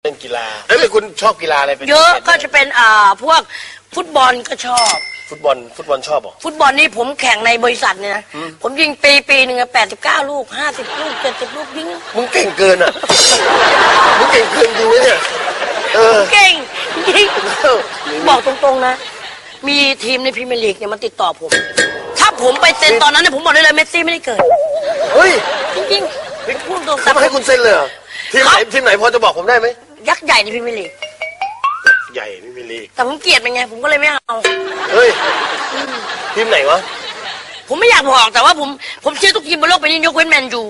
เล่นกีฬาแล้วคุณชอบกีฬาอะไรเป็นเยอะก็จะเป็นพวกฟุตบอลก็ชอบฟุตบอลชอบหรอฟุตบอลนี่ผมแข่งในบริษัทเนี่ยนะผมยิงปีหนึ่ง89 ลูก50 ลูก70 ลูกยิงมึงเก่งเกินอ่ะมึงเก่งเกินจริงไหมเนี่ยเก่งยิงบอกตรงๆนะมีทีมในพรีเมียร์ลีกเนี่ยมันติดต่อผมถ้าผมไปเซ็นตอนนั้นเนี่ยผมบอกได้เลยเมสซี่ไม่ได้เกิดเฮ้ยจริงๆพูดตรงๆเขาให้คุณเซ็นเลยเหรอทีมไหนพอจะบอกผมได้ไหมยักษ์ใหญ่ในพรีเมียร์ลีกใหญ่ไม่มีลีกแต่ผมเกลียดมันไงผมก็เลยไม่เอาเฮ้ยทีมไหนวะผมไม่อยากบอกแต่ว่าผมเชื่อทุกทีมบนโลกไปนี่ยกเว้นแมนยู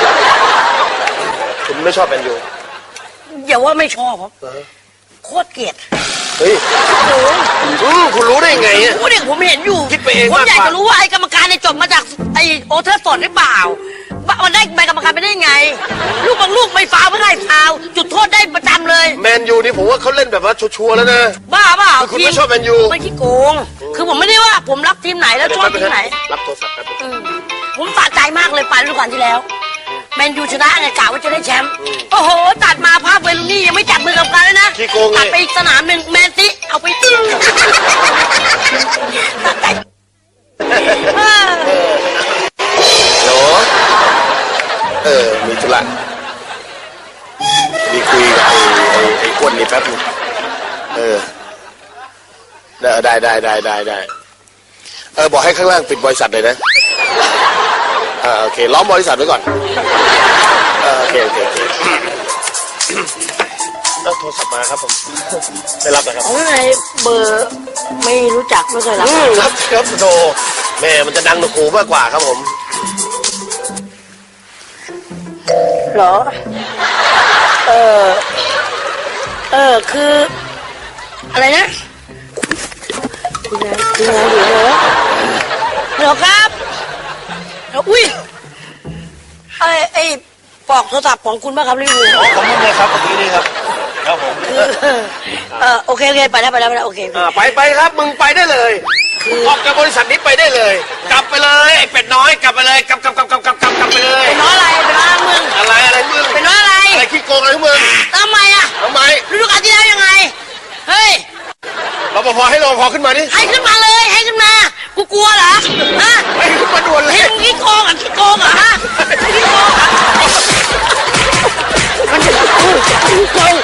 คุณไม่ชอบแมนยูอย่าว่าไม่ชอบครับโคตรเกลียดเฮ้ยคุณรู้ได้ไงอ่ะรู้ดิผมเห็นอยู่คิดไปเองผมอยากจะรู้ว่าไอ้กรรมการในจบมาจากไอ้โอเทอร์ฟอร์ดหรือเปล่ามันได้ใบกรรมการไปได้ไงลูกบางลูกไม่ฟาวไม่ได้ฟาวจุดโทษได้ประจำเลยแมนยูนี่ผมว่าเขาเล่นแบบว่าชัวร์แล้วนะบ้าเปล่าคุณไม่ชอบแมนยูไม่ขี้โกงคือผมไม่ได้ว่าผมรักทีมไหนแล้วชอบทีมไหนรับโทรศัพท์ครับผมสะใจมากเลยไปฤดูกาลที่แล้วแมนยูชนะไงกะว่าจะได้แชมป์โอ้โหตัดมาภาพเวลูนี่ยังไม่จับมือกับกันเลยนะตัดไปอีกสนามหนึ่งแมนซิเอาไปตึ้งโหมีธุระมีคุยกับไอ้อ้วนนี่แป๊บนึงได้บอกให้ข้างล่างปิดบริษัทเลยนะโอเคล้อมบริษัทไว้ก่อนโอเคแล้วโทรศัพท์มาครับผมไม่รับนะครับไงเบอร์ไม่รู้จักไม่เคยรับครับโทรแม่มันจะดังหนูมากกว่าครับผมเหรอคืออะไรนะคุณนายเหรอครับอุ้ยไอ้ปลอกโทรศัพท์ของคุณป่ะครับรีวิวของผมเลยครับเมื่อกี้นี่ครับครับผมโอเคไปแล้วโอเคไปครับมึงไปได้เลยออกจากบริษัทนี้ไปได้เลยกลับไปเลยไอ้เป็ดน้อยกลับไปเลยกลับไปเลยเป็นน้อยอะไรเป็นน้อยมึงอะไรมึงเป็นน้อยอะไรขี้โกงอะไรมึงทำไมฤดูกาลที่แล้วยังไงเฮ้ยรปภให้รปภขึ้นมาดิให้ขึ้นมาเลยให้ขึ้นมากูกลัวเหรอฮะให้ขึ้นมาด่วนเลยให้ขี้โกงเหรอฮะขี้โกง